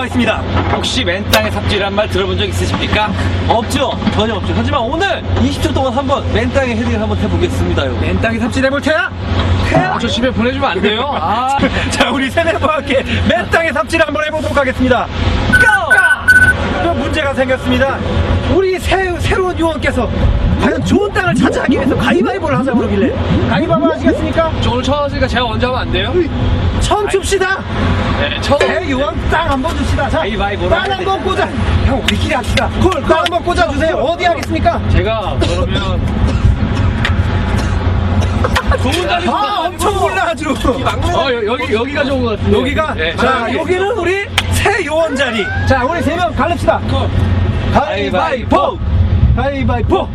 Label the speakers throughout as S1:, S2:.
S1: 나와 있습니다.
S2: 혹시 맨 땅에 삽질이란 말 들어본 적 있으십니까?
S1: 없죠? 전혀 없죠. 하지만 오늘 20초 동안 한번 맨 땅에 헤딩을 한번 해보겠습니다.
S2: 맨 땅에 삽질해볼 테야? 저 집에 보내주면 안 돼요? 아.
S1: 자, 우리 세네와 함께 맨 땅에 삽질을 한번 해보도록 하겠습니다. 그럼 문제가 생겼습니다. 우리 새로운 요원께서 과연 좋은 땅을 차지하기 위해서 가위바위보를 하자고 그러길래 가위바위보 하시겠습니까?
S2: 저 오늘 처음 왔으니까 제가 먼저 하면 안 돼요?
S1: 처음 춥시다.
S2: 네, 처음.
S1: 새 요원 땅 한번 줍시다. 자,
S2: 가위바위보로
S1: 땅 한번 꽂아. 형, 우리끼리 합시다. 땅 한번 꽂아주세요. 어디 하겠습니까?
S2: 제가 그러면 좋은 자리
S1: 엄청 올라 아주.
S2: 여기가 좋은 것 같은데.
S1: 여기가?
S2: 네.
S1: 자, 여기는 우리 새 요원 자리. 자, 우리 세 명 갈릅시다. 가위바위보! 가위바위보!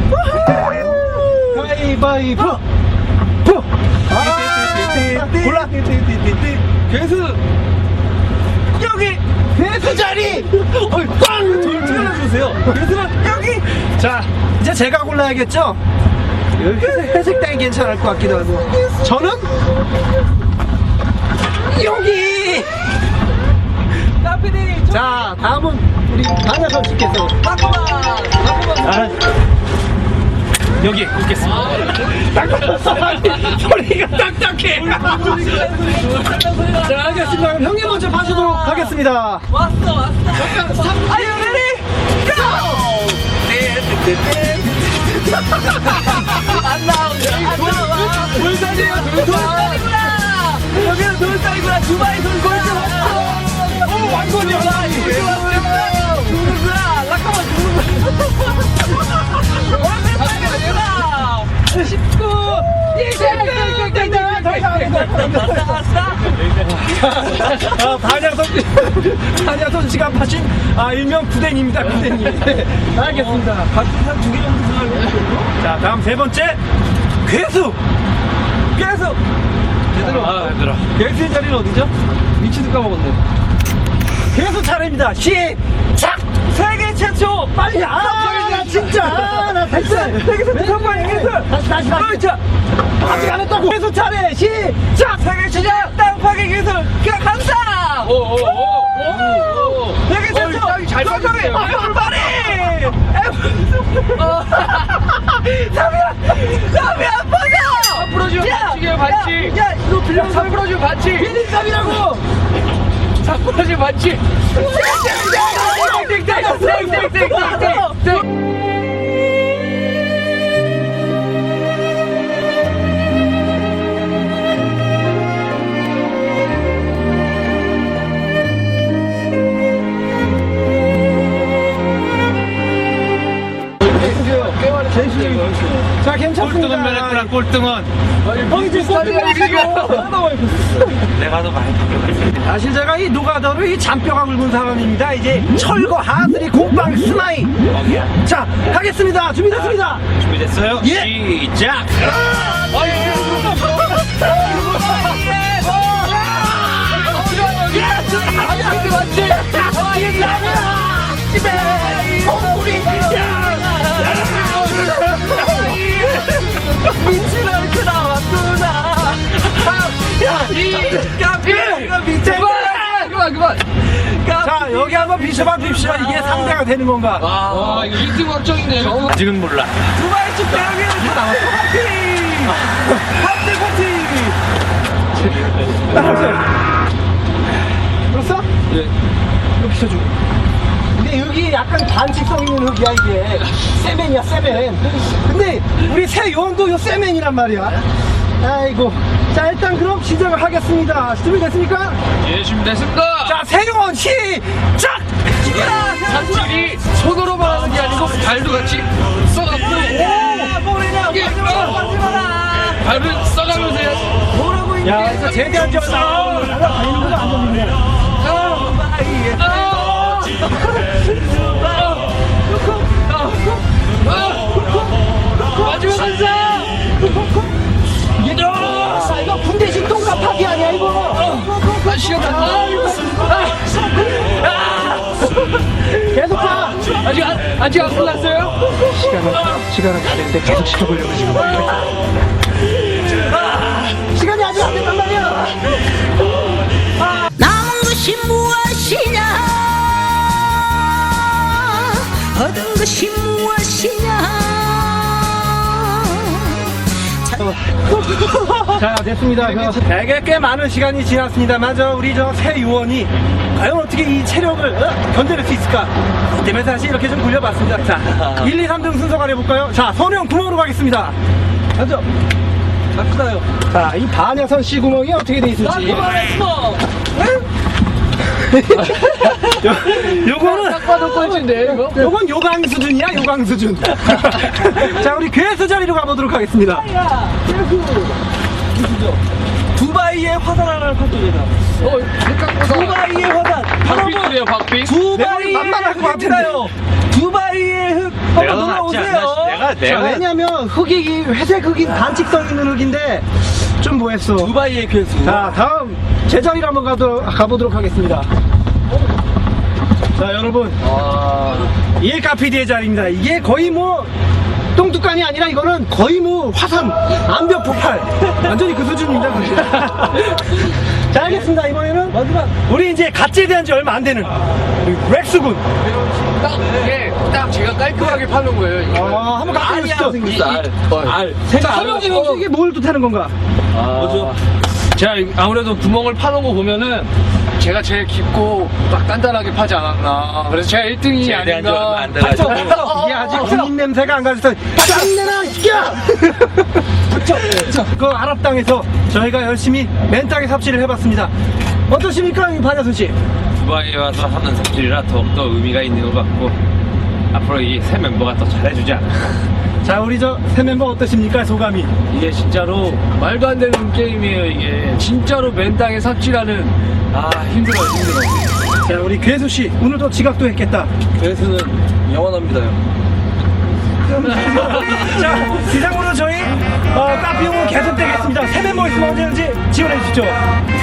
S1: 가위바위보! 보! 골라! 괴수! 여기! 괴수 자리! 꽝! 저를 찍어주세요. 괴수는 여기! 자, 이제 제가 골라야겠죠? 회색 땅이 괜찮을 것 같기도 하고. 저는 여기! 자, 다음은 우리 반야선 씨께서 여기 꽂겠습니다. 소리가 딱딱해. 자, 알겠습니다. 그럼 형님 먼저 봐주도록 하겠습니다.
S3: 왔어. Are you ready? Go! 안 나와.
S1: 돌산이에요,
S3: 돌산이구나. 여기는 돌산이구나. 두바이 돌산 왔어.
S1: 오, 완전히
S3: 누구야? 라카만 누구야? 19, 20,
S1: 반야선 씨가 파신 일명 구댕입니다. 구댕이. 알겠습니다. 박수상 2개 정도 들어가고. 자, 다음 세 번째 괴수. 괴수. 제대로.
S2: 얘들아.
S1: 괴수의 자리는 어디죠? 위치도 까먹었네. 괴수 차례입니다. 시작. 세계 최초. 빨리. 나 진짜. 나 됐어. 세계 최초 빨리 괴수. 다시. 자, 아직 안 했다고. 괴수 차례. 시작.
S3: 세계 최초 땅 파괴 기술 감사.
S2: 되게
S3: 땅이 잘
S2: 빠졌네요.
S3: 빨리. 담이 안 빠져.
S2: 풀어주면 반칙이에요, 반칙.
S3: 야, 너 빌려.
S2: 다 풀어주면 반칙.
S3: 비린땀이라고.
S2: 다 풀어주면 반칙. 땡땡땡땡땡땡땡땡땡.
S1: 자, 괜찮습니다.
S2: 꼴등은 면했구나, 꼴등은.
S1: 형이 지금
S2: 내가 더 많이 바뀌었어.
S1: 사실 제가 이 노가다로 이 잔뼈가 굵은 사람입니다. 이제 철거, 하드리, 곰팡이, 스나이. 자, 가겠습니다. 준비됐습니다.
S2: 준비됐어요?
S1: 예.
S2: 시작!
S3: 민치가 이렇게 나왔구나. 그만.
S1: 자, 여기 한번 비춰봐 봅시다. 이게 상대가 되는 건가?
S2: 와, 이거 1등 확정이네요. 아직은 몰라.
S3: 두바이 쪽 대학에는 다 나왔어.
S1: 합대 파티! 따라오세요. 그렇어?
S2: 예.
S1: 이거 비춰줘. 근데 여기 약간 반칙성 있는 흙이야, 이게. 세멘이야, 세멘. 근데 우리 새 요원도 요 세멘이란 말이야. 아이고. 자, 일단 그럼 시작을 하겠습니다. 준비됐습니까?
S2: 예, 준비됐습니다.
S1: 자, 새 요원 시작!
S2: 삽질이 손으로만 하는 게 아니고 발도 같이 써갖고
S3: 뭐래냐?
S2: 이게
S3: 마지마라.
S2: 발을 써가면서 해야지.
S3: 뭐라고 이게?
S1: 야, 이거 제대한 줄 알아. 다니는 거안 좋네.
S2: 마지막 한사.
S1: 이거 군대식 똥갑하기 아니야, 이거.
S2: 시간 다.
S1: 계속 가.
S2: 아직 안 끝났어요?
S1: 시간은 가는데 계속 시켜보려고 지금. 시간이 아직 안 됐단 말이야.
S4: 남은 것이 무엇이냐 얻은 것이 무엇이냐.
S1: 자, 됐습니다. 되게 꽤 많은 시간이 지났습니다만 우리 새 요원이 과연 어떻게 이 체력을 견뎌낼 수 있을까? 그 때문에 사실 이렇게 좀 굴려봤습니다. 자, 1, 2, 3등 순서 가려볼까요? 자, 선영 구멍으로 가겠습니다.
S3: 가죠. 갑시다요.
S1: 자, 이 반야선 씨 구멍이 어떻게 돼 있을지.
S3: 그만했어.
S1: 요거는
S2: 딱 봐도 꼴찌인데 이거?
S1: 요건 요강 수준이야, 요강 수준. 자, 우리 괴수 자리로 가보도록 하겠습니다.
S3: 두바이의 화산 하나를 파토제다.
S2: 생각보다
S3: 두바이의 화산.
S2: 박빙이래요 박빙.
S3: 두바이의
S1: 만만할 것 같은데.
S3: 흙인가요? 두바이의 흙 한번 놀아오세요.
S1: 자, 왜냐면 흙이 회색 흙이 단칙성 있는 흙인데 좀 뭐했어.
S3: 두바이의 괴수.
S1: 자, 다음 제자리로 한번 가보도록 하겠습니다. 자, 여러분, 이게 카피디의 자리입니다. 이게 거의 뭐 똥뚜껑이 아니라 이거는 거의 뭐 화산 암벽 폭발 완전히 그 수준입니다. 그게. 자, 알겠습니다. 이번에는
S3: 마지막.
S1: 우리 이제 갓제대한 지 얼마 안 되는 우리 렉스군.
S2: 딱 이게 딱 제가 깔끔하게 파는 거예요. 이거.
S1: 한번 갖고 오시죠.
S3: 알.
S1: 자, 설명해보면 이게 뭘 뜻하는 건가?
S3: 뭐죠?
S2: 제가 아무래도 구멍을 파는 거 보면은 제가 제일 깊고 딱 단단하게 파지 않았나. 그래서 제가 1등이 아닌가.
S1: 이게 아직 군인 냄새가 안 가서 짱내나 이끼야! 그 아랍 땅에서 저희가 열심히 맨 땅에 삽질을 해봤습니다. 어떠십니까, 이 반야선 씨?
S5: 두바이에 와서 하는 삽질이라 더욱더 의미가 있는 것 같고 앞으로 이 새 멤버가 더 잘해주지 않을까.
S1: 자, 우리 새 멤버 어떠십니까, 소감이?
S2: 이게 진짜로 말도 안 되는 게임이에요. 이게 진짜로 맨 땅에 삽질하는 힘들어요.
S1: 자, 우리 괴수 씨 오늘도 지각도 했겠다.
S3: 괴수는 영원합니다요.
S1: 자, 이상으로 저희 카피 용은 계속되겠습니다. 새 멤버 있으면 언제든지 지원해 주시죠.